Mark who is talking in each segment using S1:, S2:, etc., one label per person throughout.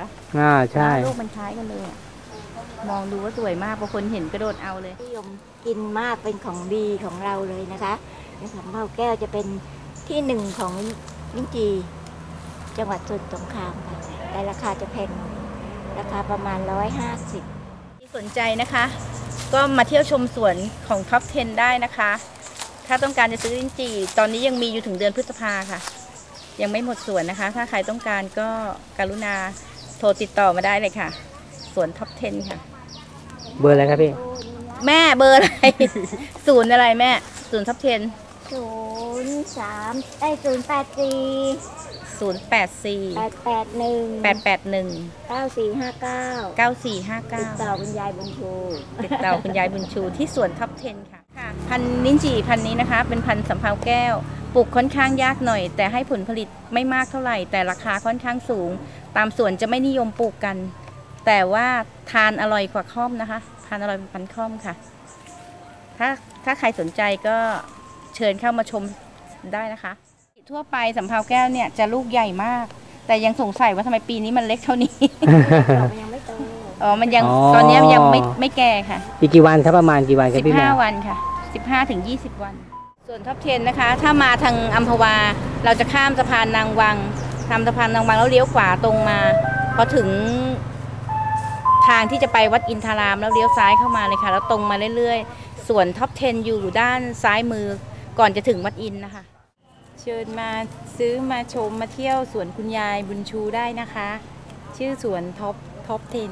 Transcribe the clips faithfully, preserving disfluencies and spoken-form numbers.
S1: ะ
S2: อ่าใช่
S1: ลูกมันคล้ายกันเลยมองดูว่าสวยมากบางคนเห็นกระโดดเอาเลย
S3: นิยมกินมากเป็นของดีของเราเลยนะคะในสำเภาแก้วจะเป็นที่หนึ่งของลิ้นจี่จังหวัดสมุทรสงครามค่ะแต่ราคาจะแพงหน่อยราคาประมาณร้อยห้าสิบ
S1: ที่สนใจนะคะก็มาเที่ยวชมสวนของท็อปสิบได้นะคะถ้าต้องการจะซื้อลิ้นจี่ตอนนี้ยังมีอยู่ถึงเดือนพฤษภาค่ะยังไม่หมดสวนนะคะถ้าใครต้องการก็กรุณาโทรติดต่อมาได้เลยค่ะสวนท็อปสิบค่ะ
S2: เบอร์อะไรครับพี่
S1: แม่เบอร์อะไร ศูนย์อะไรแม่ศูนย์ท็อปสิบ
S3: ศูนย์สามได้ศูนย์แปดสี่
S1: ศูนย์แปดสี่
S3: แปดแปดหนึ่ง
S1: แปดแปดหนึ่ง
S3: เก้าสี่ห้าเก้า
S1: เก้าสี่ห้าเก้า
S3: ติดต่อคุณยายบุญชู
S1: ติดต่อคุณยายบุญชูที่สวนท็อปสิบค่ะค่ะพันธุ์ลิ้นจี่พันธุ์นี้นะคะเป็นพันธุ์สำเภาแก้วปลูกค่อนข้างยากหน่อยแต่ให้ผลผลิตไม่มากเท่าไหร่แต่ราคาค่อนข้างสูงตามสวนจะไม่นิยมปลูกกันแต่ว่าทานอร่อยกว่าค่อมนะคะทานอร่อยกว่าพันธุ์ค่อมค่ะถ้าถ้าใครสนใจก็เชิญเข้ามาชมได้นะคะทั่วไปสำเภาแก้วเนี่ยจะลูกใหญ่มากแต่ยังสงสัยว่าทำไมปีนี้มันเล็กเท่านี้
S3: มันยังไม่โต
S1: อ๋อมันยังตอนนี้มันยังไม่ไม่แก่ค่ะ
S2: อีกกี่วันครับประมาณกี่วันครับพี่แมว
S1: สิบห้าวันค่ะสิบห้าถึงยี่สิบวันส่วนท็อปสิบนะคะถ้ามาทางอัมพวาเราจะข้ามสะพานนางวังข้ามสะพานนางวังแล้วเลี้ยวขวาตรงมาพอถึงทางที่จะไปวัดอินทารามแล้วเลี้ยวซ้ายเข้ามาเลยค่ะแล้วตรงมาเรื่อยๆส่วนท็อปสิบอยู่ด้านซ้ายมือก่อนจะถึงวัดอินนะคะเชิญมาซื้อมาชมมาเที่ยวสวนคุณยายบุญชูได้นะคะชื่อสวนท็อปท็อปสิบ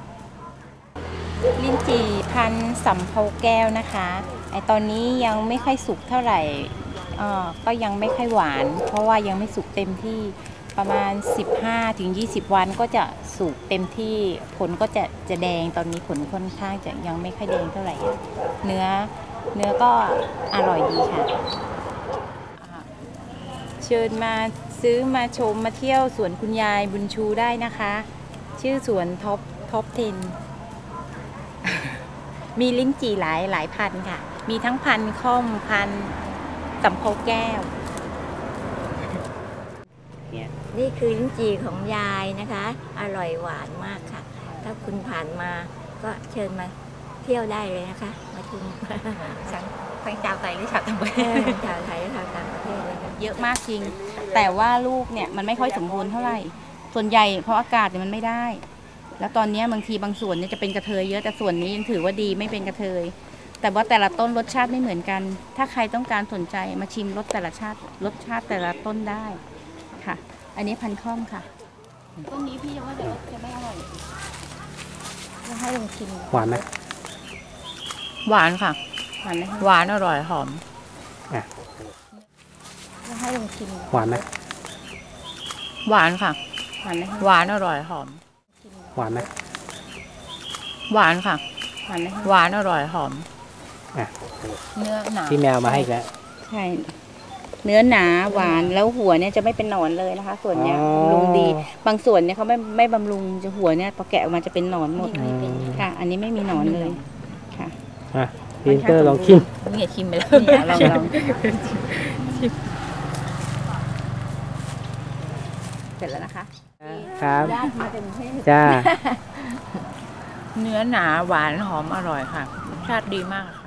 S1: ลิ้นจี่พันธุ์สำเภาแก้วนะคะไอตอนนี้ยังไม่ค่อยสุกเท่าไหร่อ่อก็ยังไม่ค่อยหวานเพราะว่ายังไม่สุกเต็มที่ประมาณ สิบห้าถึงยี่สิบ วันก็จะสุกเต็มที่ผลก็จะจะแดงตอนนี้ผลค่อนข้างจะยังไม่ค่อยแดงเท่าไหร่เนื้อเนื้อก็อร่อยดีค่ะเชิญมาซื้อมาชมมาเที่ยวสวนคุณยายบุญชูได้นะคะชื่อสวนท็อปท็อปสิบมีลิ้นจี่หลายหลายพันธุ์ค่ะมีทั้งพันธุ์ค่อมพันธุ์สำเภาแก้ว
S3: นี่คือลิ้นจี่ของยายนะคะอร่อยหวานมากค่ะถ้าคุณผ่านมาก็เชิญมาเที่ยวได้เลยนะคะมาชม
S1: ทั้งทั้งชาวไทยหรือชาวต่างประเทศ
S3: ชาวไทยและชาวต่างประเทศเลย
S1: เยอะมากจริงแต่ว่าลูกเนี่ยมันไม่ค่อยสมบูรณ์เท่าไหร่ส่วนใหญ่เพราะอากาศเนี่ยมันไม่ได้แล้วตอนนี้บางทีบางส่วนเนี่ยจะเป็นกระเทยเยอะแต่ส่วนนี้ยังถือว่าดีไม่เป็นกระเทยแต่ว่าแต่ละต้นรสชาติไม่เหมือนกันถ้าใครต้องการสนใจมาชิมรสแต่ละชาติรสชาติแต่ละต้นได้ค่ะอันนี้พันธุ์ค่อมค่ะต้นนี้พี่ยังว่าจะรสจะไม่อร่อยจะให้ลองชิม
S2: หวานไหม
S4: หวานค่ะ
S1: หวานไหม
S4: หวานอร่อยหอม
S2: อ่ะ
S1: จะให้ลองชิม
S2: หวานไหม
S4: หวานค่ะ
S1: หวานไหม
S4: หวานอร่อยหอม
S2: หวานไหม
S4: หวานค่ะ
S1: หวานไหม
S4: หวานอร่อยหอม
S2: อ่ะ
S4: เนื้อหนา
S2: พี่แมวมาให้อีกแล้ว
S1: ใช่เนื้อหนาหวานแล้วหัวเนี่ยจะไม่เป็นหนอนเลยนะคะส่วนเนี้ยบำรุงดีบางส่วนเนี่ยเขาไม่ไม่บำรุงจะหัวเนี่ยพอแกะออกมาจะเป็นหนอนหมดค่ะอันนี้ไม่มีหนอนเลยค่ะ
S2: อ่ะพินเตอร์ลองชิม
S1: นี่ชิมไปแล้วนี่ลองลองเสร็จแล้วนะคะ
S2: ครับจ้า
S4: เนื้อหนาหวานหอมอร่อยค่ะรสชาติดีมาก